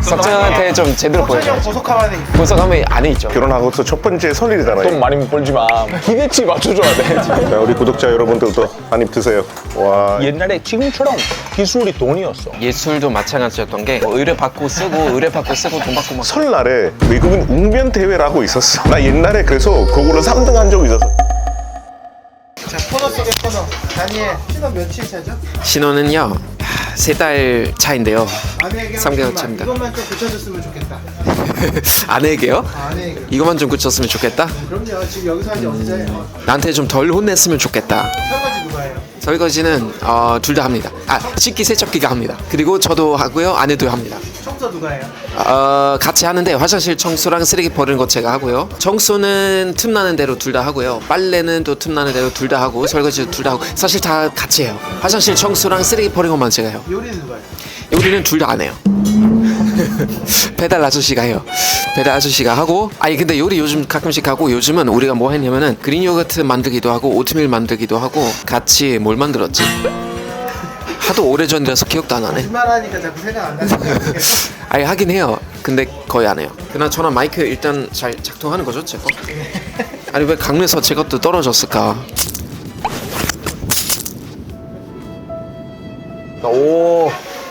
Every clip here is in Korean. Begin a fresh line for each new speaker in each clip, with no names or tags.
석정한테 좀 제대로 보여줘야지.
보석하면
보석하면 안에 있죠.
결혼하고서 첫 번째 설일이잖아요.
돈 많이 못 벌지만 기대치 맞춰줘야 돼.
자, 우리 구독자 여러분들도 한 입 드세요. 와.
옛날에 지금처럼 기술이 돈이었어.
예술도 마찬가지였던 게 의뢰받고 쓰고 의뢰받고 쓰고 돈 받고 막.
설날에 외국인 웅변 대회라고 있었어. 나 옛날에 그래서 그걸로 3등 한 적이 있었어.
자, 코너 속의 코너. 다니엘, 신혼 며칠 차죠?
신혼은요 3달 차인데요.
아내에게
3개월 차입니다.
이것만 좀 고쳐줬으면 좋겠다.
아내에게요?
아내에게.
이것만 좀 고쳤으면 좋겠다.
그럼요. 지금 여기서 한지 언제?
나한테 좀 덜 혼냈으면 좋겠다.
설거지 누가 해요?
설거지는 둘 다 합니다. 식기 세척기가 합니다. 그리고 저도 하고요, 아내도 합니다.
청소 누가 해요?
같이 하는데 화장실 청소랑 쓰레기 버리는 거 제가 하고요. 청소는 틈나는 대로 둘 다 하고요. 빨래는 또 틈나는 대로 둘 다 하고 설거지도 둘 다 하고 사실 다 같이 해요. 화장실 청소랑 쓰레기 버리는 것만 제가 해요.
요리는 누가 해요?
요리는 둘 다 안 해요. 배달 아저씨가 해요. 배달 아저씨가 하고 근데 요리 요즘 가끔씩 하고 요즘은 우리가 뭐 했냐면은 그린 요거트 만들기도 하고 오트밀 만들기도 하고 같이 뭘 만들었지? 하도 오래전이라서 기억도 안 나네.
말하니까 자꾸 생각 안 나는 거예요.
하긴 해요. 근데 거의 안 해요. 그나저나 마이크 일단 잘 작동하는 거죠, 제 거? 아니 왜 강릉에서 제 것도 떨어졌을까? 오.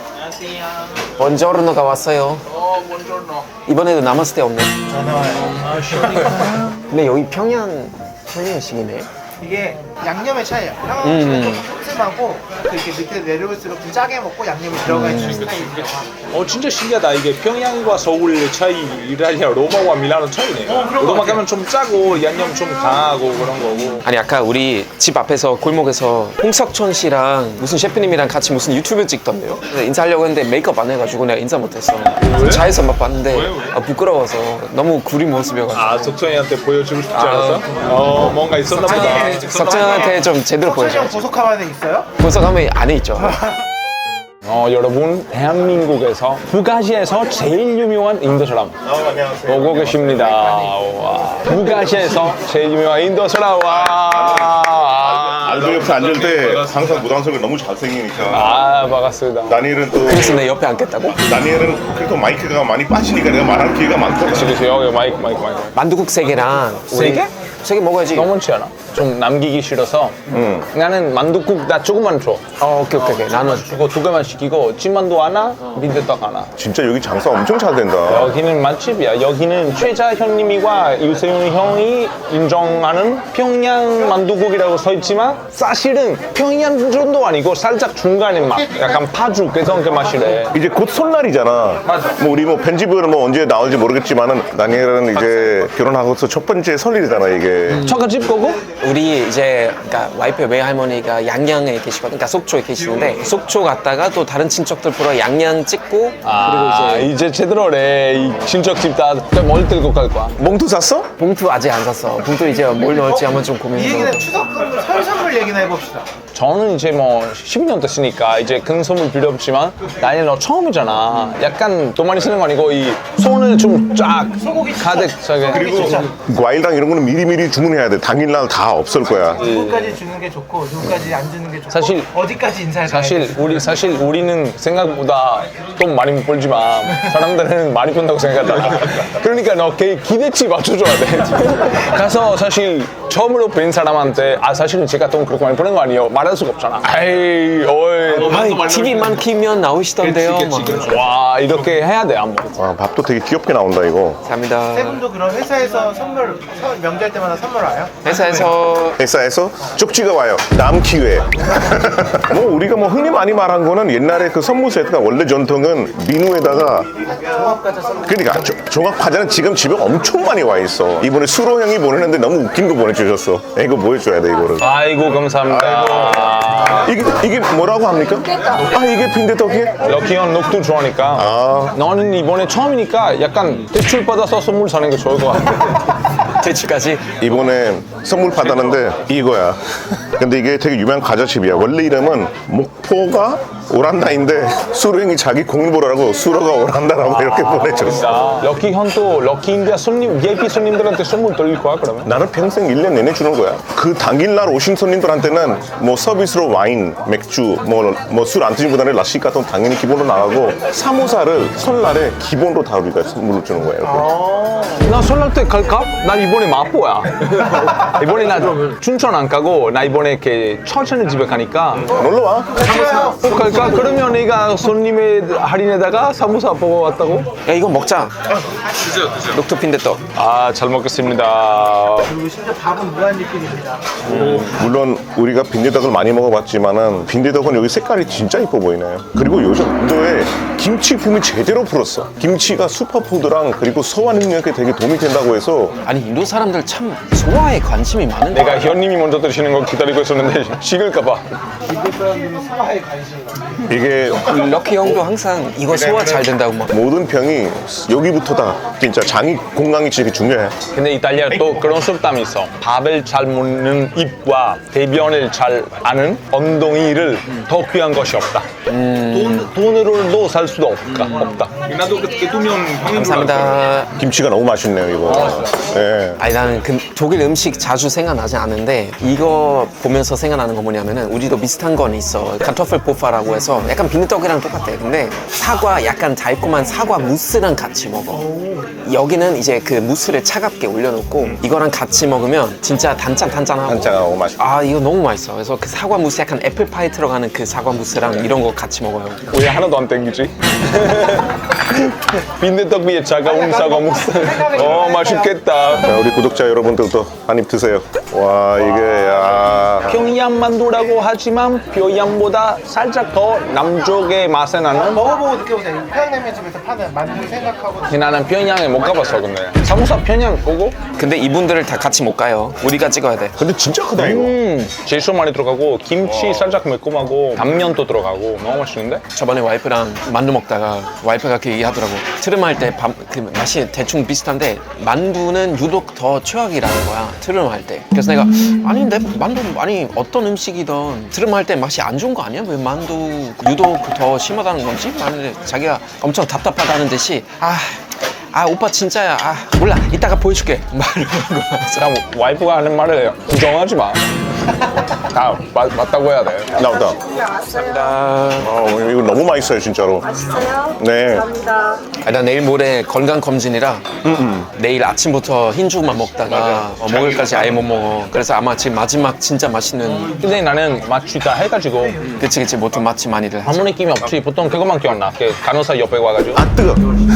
번저르노가 왔어요. 이번에도 남았을 때 없네.
전화 와요.
근데 여기 평양식이네.
이게 양념의 차이예요. 한국은 좀 슴슴하고 이렇게 밑에 내려올수록 좀 짜게 먹고 양념이 들어가 있는 스타일이에요.
진짜 신기하다. 이게 평양과 서울의 차이라니야 로마와 밀라노 차이네.
그런 거
로마
같아요.
가면 좀 짜고 양념 좀 강하고 그런 거고.
아니 아까 우리 집 앞에서 골목에서 홍석천 씨랑 무슨 셰프님이랑 같이 무슨 유튜브 찍던데요? 그래서 인사하려고 했는데 메이크업 안 해가지고 내가 인사 못했어. 차에서 막 봤는데 부끄러워서 너무 구린 모습이어가지고.
석천이한테 보여주고 싶지 않았어? 뭔가 있었나 보다.
석정한테 좀 제대로
설정
보여줘야지.
보석하면 있어요?
보석하면 안에 있죠.
여러분 대한민국에서 북아시아에서 제일 유명한 인도 사람 오고 계십니다. 와. 북아시아에서 제일 유명한 인도 사람. 와.
알도 옆에 앉을 때 항상 무당석을 너무 잘생기니까.
반갑습니다.
다니엘은 또
그래서 내 옆에 앉겠다고?
다니엘은 그래도 마이크가 많이 빠지니까 내가 말할 기회가 많더라.
그래서 여기 마이크.
만두국 3개랑
세 개?
3개 먹어야지.
너무 많지 않아? 좀 남기기 싫어서 나는 만두국 나 조금만 줘.
오케이. 나는
그거 2개만 시키고 찐만두 하나, 빈대떡 하나.
진짜 여기 장사 엄청 잘 된다.
여기는 맛집이야. 여기는 최자현님이와 유세윤 형이 인정하는 평양 만두국이라고 써 있지만 사실은 평양 정도 아니고 살짝 중간의 맛. 약간 파죽 그래서 그 맛이래.
이제 곧 설날이잖아.
맞아.
뭐 우리 뭐 편집을 뭐 언제 나올지 모르겠지만은 다니엘은 이제 결혼하고서 첫 번째 설일이잖아 이게.
처갓집 거고?
우리 이제 그러니까 와이프 외할머니가 양양에 계시거든. 그러니까 속초에 계시는데 속초 갔다가 또 다른 친척들 보러 양양 찍고 그리고
이제 제대로래. 이 친척집 다 멀리 들고 갈 거야.
몽투 샀어?
봉투 아직 안 샀어. 봉투 이제 뭘 넣을지 한번 좀
이
고민해서.
얘기는 추석 선물, 설 선물 얘기나 해봅시다.
저는 이제 뭐 10년 됐으니까 이제 큰 선물 필요 없지만 나는 너 처음이잖아. 약간 돈 많이 쓰는 거 아니고 이 손을 좀 쫙 가득 차게.
그리고 과일랑 이런 거는 미리미리 주문해야 돼. 당일날 다 없을 거야.
누구까지 주는 게 좋고 누구까지 안 주는 게 좋고
사실-
어디까지 인사를 가야 돼?
사실 우리는 생각보다 돈 많이 못 벌지만 사람들은 많이 번다고 생각하잖아. 그러니까 너 기대치 맞춰줘야 돼. 가서 사실 처음으로 뵌 사람한테 사실은 제가 돈 그렇게 많이 버는 거 아니에요. 말할 수가 없잖아.
TV만 키면 나오시던데요. 막.
와 이렇게 해야 돼 한번.
와, 밥도 되게 귀엽게 나온다 이거.
감사합니다.
세 분도 그럼 회사에서 명절 때마다 선물 와요?
회사에서
회사에서 쪽지가 와요. 다음 기회에. 뭐 우리가 뭐 흔히 많이 말한 거는 옛날에 그 선물 세트가 원래 전통은 민우에다가 그러니까 종합 과자는 지금 집에 엄청 많이 와 있어. 이번에 수로 형이 보내는데 너무 웃긴 거 보내주셨어. 이거 보여줘야 돼 이거를.
아이고 감사합니다.
이게 뭐라고 합니까? 이게 빈대떡이에요?
럭키형 녹두 좋아하니까. 너는 이번에 처음이니까 약간 대출 받아서 선물 사는 게 좋을 것 같아.
대출까지.
이번에 선물 받았는데 이거야. 근데 이게 되게 유명한 과자집이야. 원래 이름은 목포가 오란다인데 수령이 자기 공을 보라고 수로가 오란다라고 이렇게 보내줬어.
럭키 형도 럭키 인디아 손님, VIP 손님들한테 선물 돌릴 거야 그러면?
나는 평생 1년 내내 주는 거야. 그 당일날 오신 손님들한테는 뭐 서비스로 와인, 맥주, 뭐 술 안 드신 분들은 라시 같은 거 당연히 기본으로 나가고 사모사를 설날에 기본으로 다 우리가 선물로 주는 거야. 이렇게.
나 설날 때 갈까? 나 이번에 마포야. 이번에 나 춘천 안 가고 나 이번에 이렇게 천천히 집에 가니까
놀러 와.
꼭 갈까? 그러면 내가 손님의 할인에다가 사무사 보고 왔다고?
야 이거 먹자. 녹두 빈대떡.
아, 잘 먹겠습니다.
그리고 심지어 밥은 무한리필입니다.
물론 우리가 빈대떡을 많이 먹어봤지만은 빈대떡은 여기 색깔이 진짜 이뻐 보이네요. 그리고 요즘 인도에 김치 붐이 제대로 불었어. 김치가 슈퍼푸드랑 그리고 소화 능력에 되게 도움이 된다고 해서
아니 인도 사람들 참 소화에 관심이 많은데.
내가 현님이 먼저 드시는 거 기다리고 있었는데 식을까봐.
기대 사람들이 소화에 관심이 많아요.
이게
럭키 형도 항상 이거 소화 잘 된다고 막.
모든 병이 여기부터다. 진짜 장이 건강이 진짜 중요해.
근데 이탈리아 또 그런 속담이 있어. 밥을 잘 먹는 입과 대변을 잘 아는 엉덩이를 더 귀한 것이 없다. 돈으로도 살 수도 없다.
나도 그 두명 형님
감사합니다.
김치가 너무 맛있네요, 이거. 예.
아니 나는 그 독일 음식 자주 생각나지 않는데 이거 보면서 생각나는 거 뭐냐면은 우리도 비슷한 건 있어. 카토플 포파라고 해서 약간 빈대떡이랑 똑같아. 근데 사과 약간 달콤한 사과 무스랑 같이 먹어. 여기는 이제 그 무스를 차갑게 올려놓고 이거랑 같이 먹으면 진짜 단짠하고
한장하고 맛있고.
아 이거 너무 맛있어. 그래서 그 사과 무스 약간 애플파이 들어가는 그 사과 무스랑 이런 거 같이 먹어요.
왜 하나도 안 땡기지? 빈대떡 위에 차가운 사과 무스. 맛있겠다.
자, 우리 구독자 여러분들도 한 입 드세요. 와, 이게, 야.
평양 만두라고 하지만 평양보다 살짝 더 남쪽의 맛이 나는.
먹어보고 느껴보세요. 평양냉면 집에서 파는 만두 생각하고
나는 평양에 못 가봤어 근데. 사무사 평양 보고?
근데 이분들을 다 같이 못 가요. 우리가 찍어야 돼.
근데 진짜 크다, 이거.
제소 많이 들어가고 김치 살짝 매콤하고 단면도 들어가고 너무 맛있는데?
저번에 와이프랑 만두 먹다가 와이프가 그 얘기하더라고. 트름할 때 그 맛이 대충 비슷한데 만두는 유독 더 최악이라는 거야. 트름할 때. 그래서 내가 아니 내 만두 아니 어떤 음식이든 트름할 때 맛이 안 좋은 거 아니야? 왜 만두 유독 더 심하다는 건지? 만약에 자기가 엄청 답답하다는 듯이 오빠 진짜야. 몰라. 이따가 보여줄게. 말을 하는 거야.
그냥 와이프가 하는 말을 부정하지 마. 다 맞다고 해야 돼.
나온다. 이거 너무 맛있어요, 진짜로.
맛있어요?
네.
감사합니다.
나 내일 모레 건강 검진이라 내일 아침부터 흰죽만 먹다가 목요일까지 아예 못 먹어. 그래서 아마 지금 마지막 진짜 맛있는
근데 나는 맛이 다 해가지고
그치 보통 맛집 많이들 하지.
아무 느낌이 없지. 보통 그것만 기억나. 그 간호사 옆에 와가지고.
뜨거.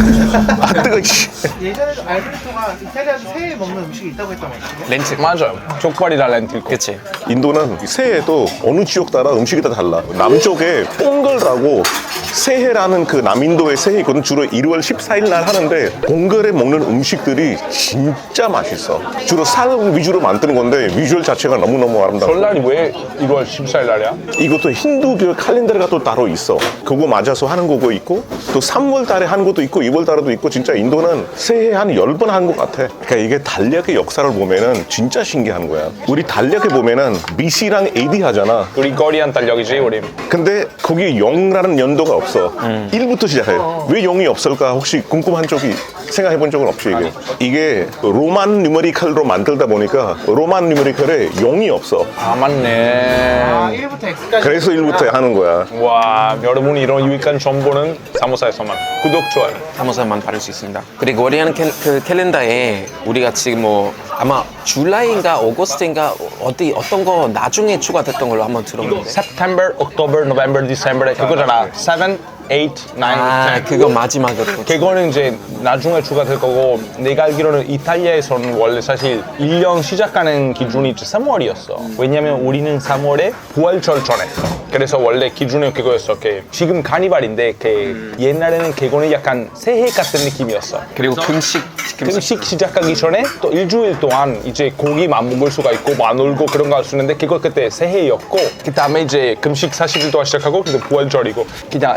뜨거, 씨.
예전에도 알베르토가 이탈리아에서 새해 먹는 음식이 있다고 했던 것 같아요.
렌트.
맞아요. 족발이랑 렌틸.
그치.
인도는 새해도 어느 지역 따라 음식이 다 달라. 남쪽에 뽕걸이라고 새해라는 그 남인도의 새해 이거는 주로 1월 14일 날 하는데 뽕걸에 먹는 음식들이 진짜 맛있어. 주로 살 위주로 만드는 건데 비주얼 자체가 너무너무 아름다워.
설날이 왜 1월 14일 날이야?
이것도 힌두교 칼렌더가 또 따로 있어. 그거 맞아서 하는 거고 있고 또 3월 달에 하는 것도 있고 2월 달에도 있고 진짜 인도는 새해 한 10번 한 것 같아. 그러니까 이게 달력의 역사를 보면은 진짜 신기한 거야. 우리 달력에 보면은 BC랑 AD 하잖아.
그리고리안 달력이지 우리.
근데 거기 0라는 연도가 없어. 1부터 시작해요. 왜 0이 없을까? 혹시 궁금한 적이 생각해 본 적은 없죠, 이게? 이게 로만 뉴메리컬로 만들다 보니까 로만 뉴메리컬에 0이 없어.
아 맞네.
1부터 X까지.
그래서 1부터 하는 거야.
와, 여러분이 이런 유익한 정보는 사무사에서만. 구독, 좋아요.
사무사만 받을 수 있습니다. 그리고 우리는 그 캘린더에 우리가 지금 뭐 아마 줄라이인가 오거스트인가 어떤 거 나중에 추가됐던 걸로 한번 들었는데.
September, October, November, December 그거잖아. 7, 8, 9, 10.
그거 마지막으로.
그거는 이제 나중에 추가될 거고 내가 알기로는 이탈리아에서는 원래 사실 1년 시작하는 기준이 3월이었어. 왜냐면 우리는 3월에 부활절 전에. 그래서 원래 기준이 그거였어. 지금 카니발인데 옛날에는 그거는 약간 새해 같은 느낌이었어.
그리고 금식
시작하기 전에 또 일주일 동안 이제 고기만 먹을 수가 있고 막 놀고 그런 거 할 수 있는데 그거 그때 새해였고 그 다음에 이제 금식 40일 동안 시작하고 근데 부활절이고 그냥 설날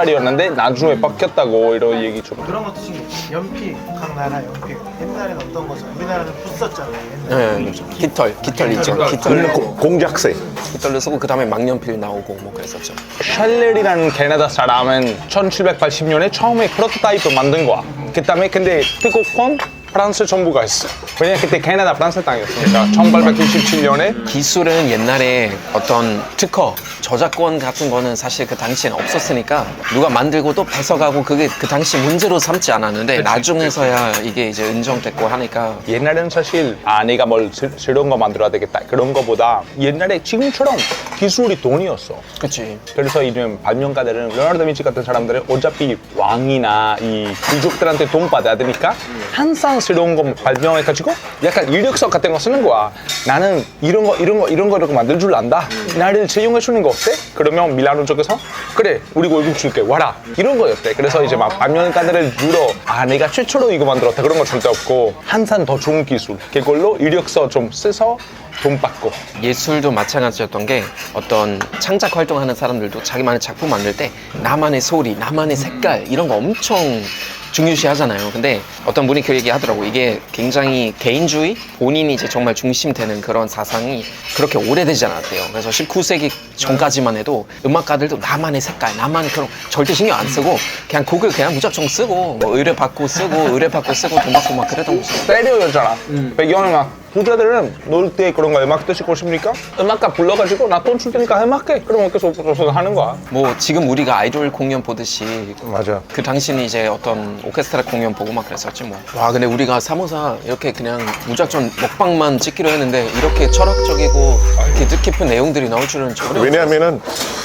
달이었는데 나중에 바뀌었다고 이런 얘기 좀.
그런 것도 신기해. 연필, 각 나라 연필. 옛날에는 어떤 거죠? 우리나라는 붓 썼잖아요. 옛날에.
네, 깃털 있죠. 깃털
공작새.
깃털로 쓰고 그 다음에 망연필 나오고 뭐 그랬었죠.
샬렐이라는 캐나다 사람은 1780년에 처음에 프로토타입을 만든 거야. 그 다음에 근데 태국권 프랑스 정부가 했어. 왜냐면 그때 캐나다 프랑스 땅이었으니까 1897년에
기술은 옛날에 어떤 특허, 저작권 같은 거는 사실 그 당시엔 없었으니까 누가 만들고 또 뺏어가고 그게 그 당시 문제로 삼지 않았는데 나중에서야 이게 이제 인정됐고 하니까
옛날에는 사실 내가 뭘 새로운 거 만들어야 되겠다 그런 거보다 옛날에 지금처럼 기술이 돈이었어.
그치.
그래서 이런 발명가들은 레오나르도 다빈치 같은 사람들은 어차피 왕이나 이 귀족들한테 돈 받아야 되니까 항상 새로운 거 발명해가지고 약간 이력서 같은 거 쓰는 거야. 나는 이런 거 만들 줄 안다. 나를 채용해 주는 거 어때? 그러면 밀라노 쪽에서 그래 우리 월급 줄게 와라 이런 거였대. 그래서 이제 막 발명가들을 주로 내가 최초로 이거 만들었다 그런 거 절대 없고 항상 더 좋은 기술 그걸로 이력서 좀 써서 돈 받고.
예술도 마찬가지였던 게 어떤 창작 활동하는 사람들도 자기만의 작품 만들 때 나만의 소리, 나만의 색깔 이런 거 엄청 중요시 하잖아요. 근데 어떤 분이 그 얘기 하더라고. 이게 굉장히 개인주의, 본인이 이제 정말 중심되는 그런 사상이 그렇게 오래되지 않았대요. 그래서 19세기 전까지만 해도 음악가들도 나만의 색깔, 나만의 그런 절대 신경 안 쓰고 그냥 곡을 그냥 무작정 쓰고 뭐 의뢰받고 쓰고 의뢰받고 쓰고 돈 받고 막 그랬던 거지.
스테레오였잖아. 배경은 막 부자들은 놀 때 그런 거 음악 듣고 싶으니까 음악가 불러가지고 나 돈 줄 테니까 음악해. 그러면 계속 하는 거야.
뭐 지금 우리가 아이돌 공연 보듯이
맞아.
그 당시는 이제 어떤 오케스트라 공연 보고 막 그랬었지 뭐. 와 근데 우리가 사모사 이렇게 그냥 무작정 먹방만 찍기로 했는데 이렇게 철학적이고 이렇게 뜻깊은 내용들이 나올 줄은 전혀.
왜냐하면은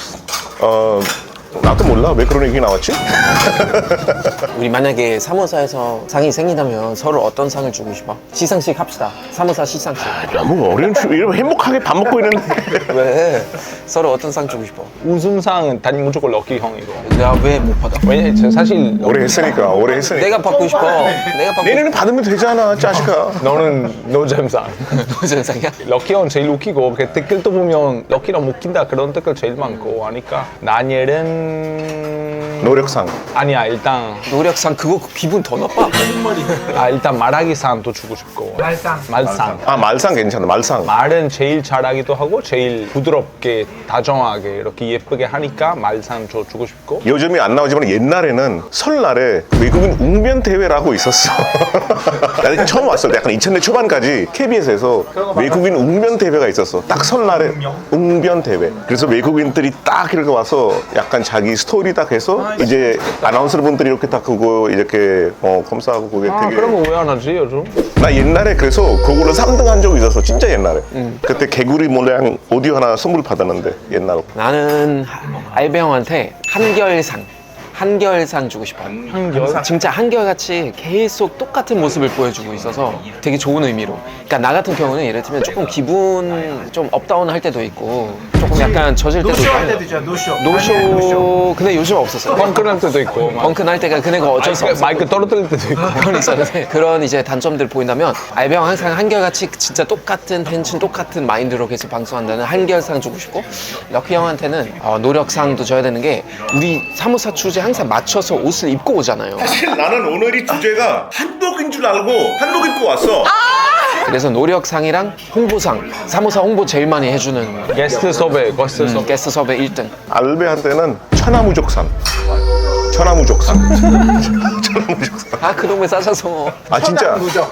나도 몰라 왜 그런 얘기 나왔지?
우리 만약에 사모사에서 상이 생기다면 서로 어떤 상을 주고 싶어? 시상식 합시다. 사모사 시상식.
너무 어려운 이러면 행복하게 밥 먹고 있는데.
왜? 서로 어떤 상 주고 싶어?
우승상은 단 무조건 럭키 형이고.
내가 왜 못 받아?
왜냐면 사실
오래 했으니까.
내가 받고 싶어. 내가 받고
내년에 받으면 되잖아 자식아.
너는 노잼상.
무슨 상이야?
럭키 형 제일 웃기고 그 댓글도 보면 럭키랑 웃긴다 그런 댓글 제일 많고 하니까 나니엘은
노력상.
아니야 일단
노력상 그거 기분 더 나빠.
일단 말하기상도 주고 싶고
말상.
말상
말상 괜찮아 말상.
말은 제일 잘하기도 하고 제일 부드럽게 다정하게 이렇게 예쁘게 하니까 말상 주고 싶고
요즘이 안 나오지만 옛날에는 설날에 외국인 웅변 대회라고 있었어. 나는 처음 왔을 때 약간 2000년 초반까지 KBS에서 외국인 웅변 대회가 있었어. 딱 설날에 웅변 대회. 그래서 외국인들이 딱 이렇게 와서 약간 자기 스토리 딱 해서 이제 아나운서 분들이 이렇게 딱 그거 이렇게 검사하고 그게 되게.
그런 거 왜 안 하지 요즘?
나 옛날에 그래서 그걸로 3등 한 적이 있었어. 진짜 옛날에. 그때 개구리 모양 오디오 하나 선물 받았는데 옛날로.
나는 알베 형한테 한결상 주고 싶어.
한결?
진짜 한결같이 계속 똑같은 모습을 보여주고 있어서 되게 좋은 의미로. 그러니까 나 같은 경우는 예를 들면 조금 기분 좀 업다운 할 때도 있고 조금 약간 젖을 때도
노쇼 할
있고.
때도 있잖아. 노쇼.
노쇼. 근데 요즘 없었어요.
펑크 날 때도 있고 막
펑크 날 때가 그네가 어쩔 수 없어.
마이크 떨어뜨릴 때도 있고
그런 있었는데 그런 이제 단점들 보인다면 알베형 항상 한결같이 진짜 똑같은 텐션 똑같은 마인드로 계속 방송한다는 한결상 주고 싶고 럭키 형한테는 노력상도 줘야 되는 게 우리 사무사 주제 항상 맞춰서 옷을 입고 오잖아요.
사실 나는 오늘이 주제가 한복인 줄 알고 한복 입고 왔어.
그래서 노력상이랑 홍보상 사무사 홍보 제일 많이 해주는
게스트 섭외
게스트 섭외 1등.
알베한테는 천하무적상.
아 그놈의 싸셔서
아 진짜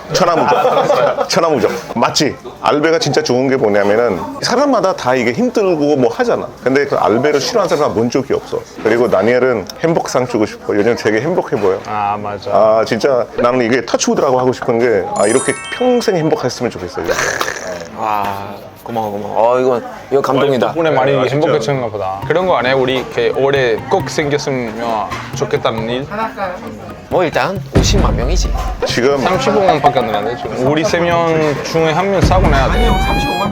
천하무적 맞지? 알베가 진짜 좋은 게 뭐냐면은 사람마다 다 이게 힘들고 뭐 하잖아. 근데 그 알베를 싫어하는 사람은 본 적이 없어. 그리고 다니엘은 행복상 주고 싶어. 요즘 되게 행복해 보여.
맞아
진짜 나는 이게 터치우드라고 하고 싶은 게 이렇게 평생 행복했으면 좋겠어.
와 고마워. 이거 감동이다.
덕분에 많이 행복해졌나 보다. 그런 거 안 해? 우리 이렇게 올해 꼭 생겼으면 좋겠다는 일?
하나까요?
뭐 일단 50만 명이지.
지금
35만밖에 안 되는데 지금 우리 3명 중에 한 명 사고 내야 돼.
아니요, 35만 명이에요.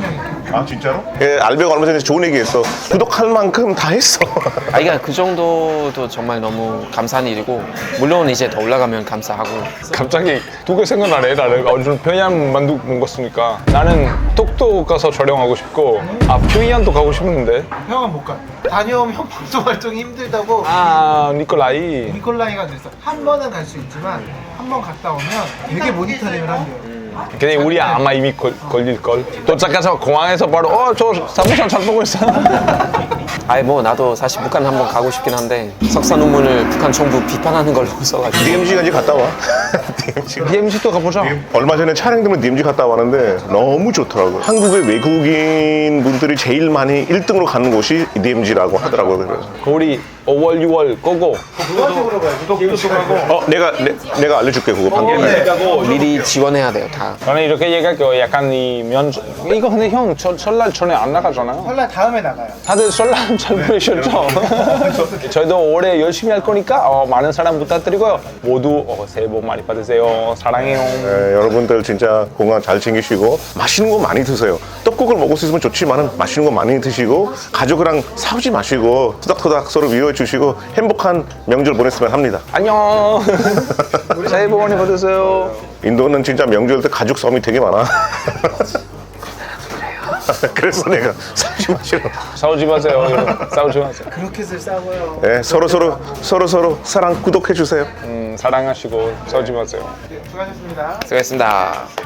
아 진짜로? 예, 알베가 얼마 전에 좋은 얘기했어. 구독할 만큼 다 했어.
아, 그러니까 그 정도도 정말 너무 감사한 일이고 물론 이제 더 올라가면 감사하고.
갑자기 두 개 생각나네. 나는 요즘 평양 만두 먹었으니까 나는 톡톡 가서 촬영하고 싶고 평양도 가고 싶은데
형은 못 가. 다녀오면 형 방송 활동이 힘들다고
니콜라이
니콜라이가 그랬어. 한 번은 갈 수 있지만 한 번 갔다 오면 되게 모니터링을 한대요.
근데 우리 아마 이미 걸릴걸. 도착해서 공항에서 바로 저 사무실 잘 보고 있어.
아니 뭐 나도 사실 북한 한번 가고 싶긴 한데 석사 논문을 북한 정부 비판하는 걸로 써가지고.
DMZ가 이제 갔다 와. DMZ가.
DMZ도 가보자.
얼마 전에 촬영 때문에 DMZ 갔다 왔는데 너무 좋더라고요. 한국의 외국인 분들이 제일 많이 1등으로 가는 곳이 DMZ라고 하더라고요. 그래서.
우리 5월 6월 고고.
그쪽으로 가요. 구독하고.
내가 알려줄게 그거 방금.
미리 지원해야 돼요 다.
저는 이렇게 얘기할게요. 약간 이 면접 이거 근데 형 설날 전에 안 나가잖아요.
설날 다음에 나가요.
다들 설날 잘 보내셨죠? 저희도 올해 열심히 할 거니까 많은 사랑 부탁드리고요. 모두 새해 복 많이 받으세요. 사랑해요.
네, 여러분들 진짜 건강 잘 챙기시고 맛있는 거 많이 드세요. 떡국을 먹을 수 있으면 좋지만 맛있는 거 많이 드시고 가족이랑 싸우지 마시고 토닥토닥 서로 위로해 주시고 행복한 명절 보냈으면 합니다.
안녕. 새해 복 많이 받으세요.
인도는 진짜 명절 때 가족 싸움이 되게 많아. 그래서 내가 싸우지 마시라고.
싸우지 마세요. 여러분. 싸우지 마세요.
그렇게들 싸워요.
네, 서로 사랑 구독해 주세요.
사랑하시고 싸우지 마세요.
수고하셨습니다.
수고했습니다.